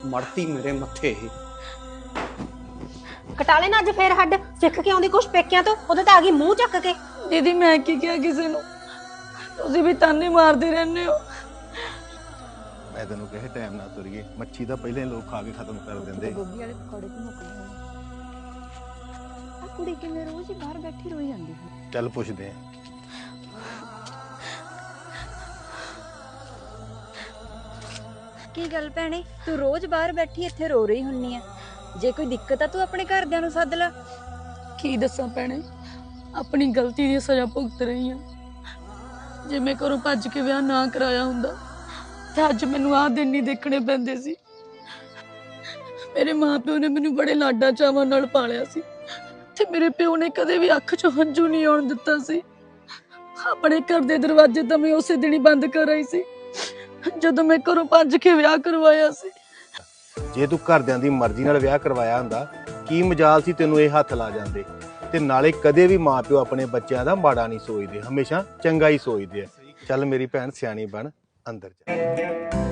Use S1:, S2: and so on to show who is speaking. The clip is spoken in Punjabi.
S1: ਮੜਤੀ ਮੇਰੇ ਮੱਥੇ ਇਹ।
S2: ਕਟਾ ਲੈਣਾ ਅੱਜ ਫੇਰ ਹੱਡ ਸਿੱਖ ਕੇ ਆਉਂਦੀ ਕੁਛ ਪੇਕਿਆਂ ਤੋਂ, ਉਹਦੇ ਤਾਂ ਆ ਗਈ ਮੂੰਹ ਚੱਕ ਕੇ।
S3: ਦੀਦੀ ਮੈਂ ਕੀ ਕਿਹਾ ਕਿਸੇ ਨੂੰ? ਤੁਸੀਂ ਵੀ ਤਾਨੇ ਮਾਰਦੇ ਰਹਿੰਦੇ ਹੋ।
S4: ਮੈਂ ਤੈਨੂੰ ਕਹੇ ਟਾਈਮ ਨਾਲ ਤੁਰੀਏ, ਮੱਛੀ ਤਾਂ ਪਹਿਲੇ ਲੋਕ ਖਾ ਕੇ ਖਤਮ ਕਰ ਦਿੰਦੇ।
S5: ਗੋਭੀ ਵਾਲੇ ਪਕੌੜੇ ਵੀ ਮੁੱਕ ਗਏ ਆ ਕੁੜੀ ਕਿਵੇਂ ਰੋਜ਼ ਹੀ ਬਾਹਰ ਬੈਠੀ ਰੋਈ ਜਾਂਦੀ ਹੈ।
S4: ਚੱਲ ਪੁੱਛਦੇ ਆ।
S5: ਕੀ ਗੱਲ ਭੈਣੇ, ਤੂੰ ਰੋਜ਼ ਬਾਹਰ ਬੈਠੀ ਇੱਥੇ ਰੋ ਰਹੀ ਹੁੰਨੀ ਆ? ਜੇ ਕੋਈ ਦਿੱਕਤ ਆ ਤੂੰ ਆਪਣੇ ਘਰਦਿਆਂ ਨੂੰ ਸੱਦ ਲੈ।
S3: ਕੀ ਦੱਸਾਂ ਭੈਣੇ, ਆਪਣੀ ਗਲਤੀ ਦੀ ਸਜ਼ਾ ਭੁਗਤ ਰਹੀ ਹਾਂ। ਜੇ ਮੈਂ ਘਰੋਂ ਭੱਜ ਕੇ ਵਿਆਹ ਨਾ ਕਰਾਇਆ ਹੁੰਦਾ ਤਾਂ ਅੱਜ ਮੈਨੂੰ ਆਹ ਦਿਨ ਨਹੀਂ ਦੇਖਣੇ ਪੈਂਦੇ ਸੀ। ਮੇਰੇ ਮਾਪਿਓ ਨੇ ਮੈਨੂੰ ਬੜੇ ਲਾਡਾਂ ਚਾਵਾਂ ਨਾਲ ਪਾਲਿਆ ਸੀ ਤੇ ਮੇਰੇ ਪਿਓ ਨੇ ਕਦੇ ਵੀ ਅੱਖ 'ਚੋਂ ਹੰਝੂ ਨਹੀਂ ਆਉਣ ਦਿੱਤਾ ਸੀ। ਆਪਣੇ ਘਰ ਦੇ ਦਰਵਾਜ਼ੇ ਤਾਂ ਮੈਂ ਉਸੇ ਦਿਨ ਹੀ ਬੰਦ ਕਰ ਆਈ ਸੀ ਜਦੋਂ ਮੈਂ ਘਰੋਂ ਭੱਜ ਕੇ ਵਿਆਹ ਕਰਵਾਇਆ ਸੀ।
S4: ਜੇ ਤੂੰ ਘਰਦਿਆਂ ਦੀ ਮਰਜ਼ੀ ਨਾਲ ਵਿਆਹ ਕਰਵਾਇਆ ਹੁੰਦਾ, ਕੀ ਮਜਾਲ ਸੀ ਤੈਨੂੰ ਇਹ ਹੱਥ ਲਾ ਜਾਂਦੇ। ਤੇ ਨਾਲੇ ਕਦੇ ਵੀ ਮਾਪਿਓ ਆਪਣੇ ਬੱਚਿਆਂ ਦਾ ਮਾੜਾ ਨਹੀਂ ਸੋਚਦੇ, ਹਮੇਸ਼ਾ ਚੰਗਾ ਹੀ ਸੋਚਦੇ ਆ। ਚੱਲ ਮੇਰੀ ਭੈਣ ਸਿਆਣੀ ਬਣ, ਅੰਦਰ ਜਾ।